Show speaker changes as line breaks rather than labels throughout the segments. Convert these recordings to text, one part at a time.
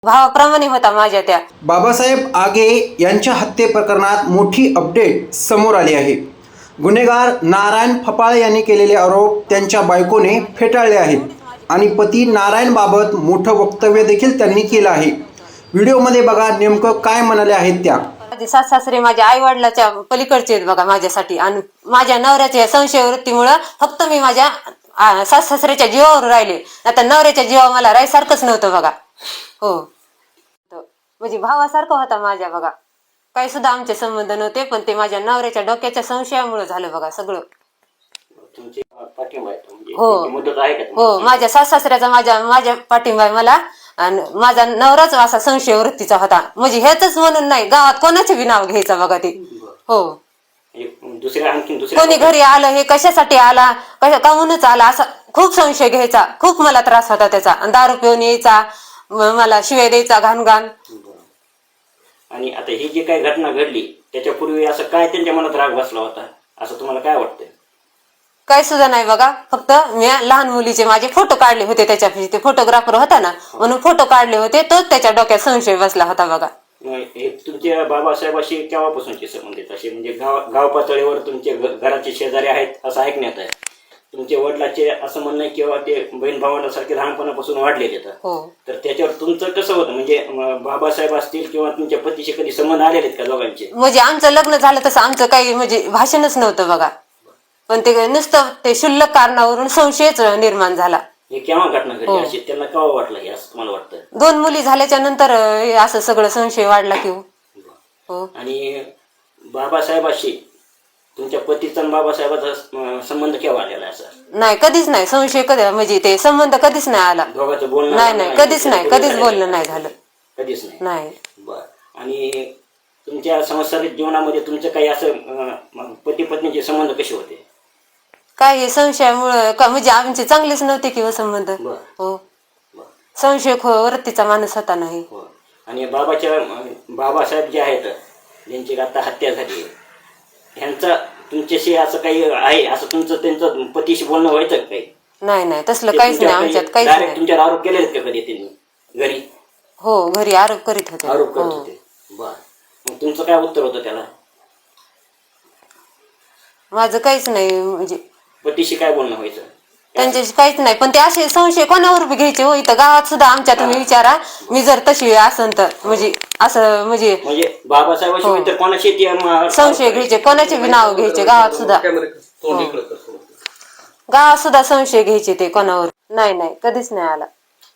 भावाप्रमाणे होता माझ्या त्या.
बाबासाहेब आगे यांच्या हत्ये प्रकरणात मोठी अपडेट समोर आली आहे. गुन्हेगार नारायण फपाळे यांनी केलेले आरोप त्यांच्या बायकोने फेटाळले आहेत आणि पती नारायण बाबत मोठं वक्तव्य देखील त्यांनी केलं आहे. व्हिडिओमध्ये बघा नेमकं काय म्हणाले आहेत त्या.
माझे सासरे माझ्या आई वडिलाच्या पलीकडचे आहेत बघा माझ्यासाठी, आणि माझ्या नवऱ्याच्या संशय वृत्तीमुळं फक्त मी माझ्या सासऱ्याच्या जीवावर राहिले. आता नवऱ्याच्या जीवावर मला राहायसारखंच नव्हतं बघा. हो, म्हणजे भावासारखा होता माझ्या बघा. काही सुद्धा आमचे संबंध नव्हते, पण ते माझ्या नवऱ्याच्या डोक्याच्या संशयामुळे झालं बघा सगळं. हो हो, माझ्या सासऱ्याचा माझ्या पाठिंबा आहे मला, आणि माझा नवराच असा संशय वृत्तीचा होता. म्हणजे हेच म्हणून नाही, गावात कोणाचे बी नाव घ्यायचं बघा ते. हो, कोणी घरी आलं हे कशासाठी आला, काहूनच आला असा खूप संशय घ्यायचा. खूप मला त्रास होता त्याचा. दारू पिऊन यायचा, मला शिवाय द्यायचा घाण घाण.
आणि आता ही जी काही घटना घडली त्याच्यापूर्वी असं काय त्यांच्या मनात राग बसला होता असं तुम्हाला काय वाटतंय?
काय सुद्धा नाही बघा. फक्त मी लहान मुलीचे माझे फोटो काढले होते, त्याच्यापाशी ते फोटोग्राफर होता ना, म्हणून फोटो काढले होते, तोच त्याच्या डोक्यात संशय बसला होता बघा.
हे तुमच्या बाबासाहेबाशी केव्हापासूनचे संबंधित असे म्हणजे गाव पातळीवर तुमचे घराचे शेजारी आहेत असं ऐकण्यात आहे. तुमच्या वडिलाचे असं म्हणणं किंवा ते बहीण भावांसारखे लहानपणापासून वाढलेले आहेत. तर त्याच्यावर तुमचं कसं होतं, म्हणजे बाबासाहेब असतील किंवा तुमच्या पतीशी कधी संबंध आलेले आहेत का दोघांचे?
म्हणजे आमचं लग्न झालं तसं आमचं काही म्हणजे भाषणच नव्हतं बघा, पण ते नुसतं ते क्षुल्लक कारणावरून संशयच निर्माण झाला.
हे केव्हा घटना घडली अशी त्यांना केव्हा वाटलं हे असं तुम्हाला वाटतं?
2 मुली झाल्याच्या नंतर असं सगळं संशय वाढला की हो.
आणि बाबासाहेबाशी तुमच्या पतीचा बाबासाहेबाचा संबंध केव्हा आलेला आहे? असं
नाही, कधीच नाही. संशय कधी म्हणजे ते संबंध कधीच नाही आला.
दोघांचं बोलणं
नाही, कधीच नाही, कधीच बोलणं नाही झालं.
कधीच
नाही.
बर. आणि तुमच्या सांसारिक जीवनामध्ये तुमचं काही असं पती पत्नीचे संबंध कसे होते?
काय हे संशयामुळं म्हणजे आमचे चांगलेच नव्हते किंवा संबंध. हो, संशय वृत्तीचा माणूस होता नाही.
आणि बाबासाहेब जे आहेत ज्यांची आता हत्या झाली, ह्यांचा तुमच्याशी असं काही आहे असं तुमचं त्यांचं पतीशी बोलणं व्हायचं काही?
नाही, तसलं काहीच नाही आमच्यात, काहीच नाही.
तुमच्यावर आरोप केले आहेत का कधी त्यांनी घरी?
हो, घरी आरोप करीत होते.
बर. मग तुमचं काय उत्तर होतं त्याला?
माझं काहीच नाही. म्हणजे
पतीशी काय बोलणं व्हायचं?
त्यांच्याशी काहीच नाही, पण ते असे संशय कोणावर बी घ्यायचे हो. इथं गावात सुद्धा आमच्या तुम्ही विचारा, मी जर तशी असन तर म्हणजे असं म्हणजे
बाबासाहेबाशी इतर कोणाशी
संशय घ्यायचे, कोणाचे बी नाव घ्यायचे गावात सुद्धा. गावात सुद्धा संशय घ्यायचे ते कोणावर. नाही, कधीच नाही आला.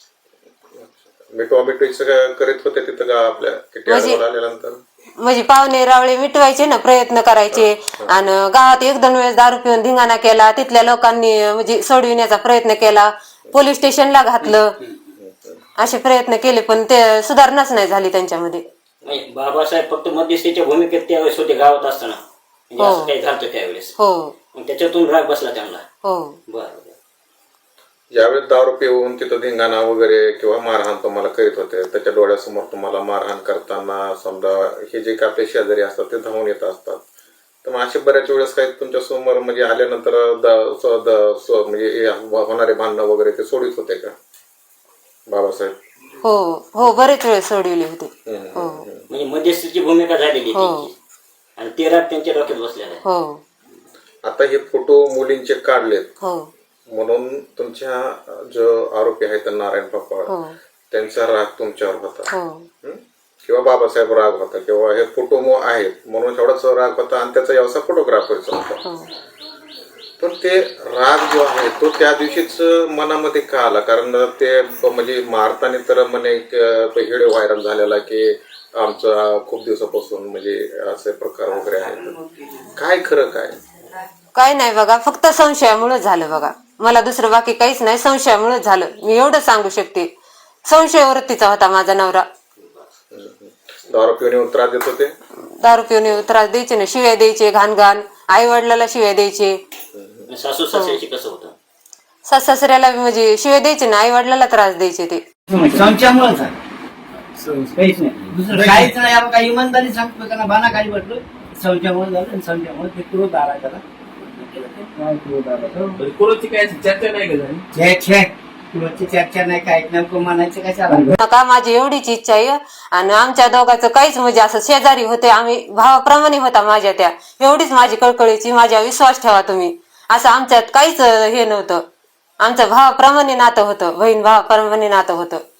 करीत होते तिथं आपल्या
म्हणजे पाहुणे रावळे मिटवायचे ना, प्रयत्न करायचे. आणि गावात 1-2 वेळेस दारू पिऊन धिंगाणा केला, तिथल्या लोकांनी म्हणजे सोडविण्याचा प्रयत्न केला, पोलीस स्टेशनला घातलं, असे प्रयत्न केले, पण ते सुधारणाच नाही झाली त्यांच्यामध्ये.
बाबासाहेब फक्त मध्यस्थीच्या भूमिकेत त्यावेळेस होते गावात असताना, म्हणजे असं काही झालं त्यावेळेस.
हो,
त्याच्यातून राग बसला त्यांना.
हो.
बरं.
ज्यावेळेस दारू पिऊन तिथं धिंगाणा वगैरे किंवा मारहाण तुम्हाला करीत होते, त्याच्या डोळ्यासमोर तुम्हाला मारहाण करताना समजा हे जे काही आपले शेजारी असतात ते धावून येत असतात, तर मग असे बऱ्याच वेळेस काही तुमच्या समोर म्हणजे आल्यानंतर म्हणजे होणारे भांडणं वगैरे ते सोडित होते का बाबासाहेब?
हो, बरेच वेळ सोडविले होते.
म्हणजे मध्यस्थीची भूमिका झालेली आणि ते राग त्यांच्या डोक्यात बसलेला आहे.
हो.
आता हे फोटो मुलींचे काढलेत.
हो.
म्हणून तुमच्या जो आरोपी आहेत नारायण फपाळ त्यांचा राग तुमच्यावर होता किंवा बाबासाहेब राग होता किंवा हे फोटो आहेत म्हणून एवढाच राग होता आणि त्याचा व्यवसाय फोटोग्राफरचा होता. पण ते राग जो आहे तो त्या दिवशीच मनामध्ये का आला? कारण ते म्हणजे मारताना तर म्हणे व्हिडिओ व्हायरल झालेला की आमचा खूप दिवसापासून म्हणजे असे प्रकार वगैरे आहेत. काय खरं काय
नाही बघा, फक्त संशयामुळे झालं बघा. मला दुसरं बाकी काहीच नाही, संशयामुळे झालं. मी एवढं सांगू शकते. संशय वृत्तीचा होता माझा नवरा.
दारू पिऊन त्रास देत होते?
दारू पिऊन त्रास द्यायचे ना, शिव्या द्यायचे घाण घाण, आई वडिलाला शिव्या द्यायचे.
सासू सासऱ्याशी कसं होतं?
सासऱ्याला म्हणजे शिव्या द्यायचे ना, आई वडिलाला त्रास द्यायचे ते.
संशयामुळे काहीच नाही, काहीच नाही. आपण काही इमानदारी सांगतो त्यांना बाना खाली पडलो, संशयामुळे झालं. आणि संशयामुळे ते क्रोध आला त्याला.
कोणाची काय चर्चा नाही का झाली?
पुढची चर्चा नाही काय नेमकं म्हणायचं कशाला
नका, माझी एवढीच इच्छा आहे. आणि आमच्या दोघांचं काहीच म्हणजे असं शेजारी होते, आम्ही भावाप्रमाणे होता माझ्या त्या, एवढीच माझी कळकळीची, माझ्या विश्वास ठेवा तुम्ही. असं आमच्यात काहीच हे नव्हतं, आमचं भावाप्रमाणे नातं होतं, बहीण भावाप्रमाणे नातं होतं.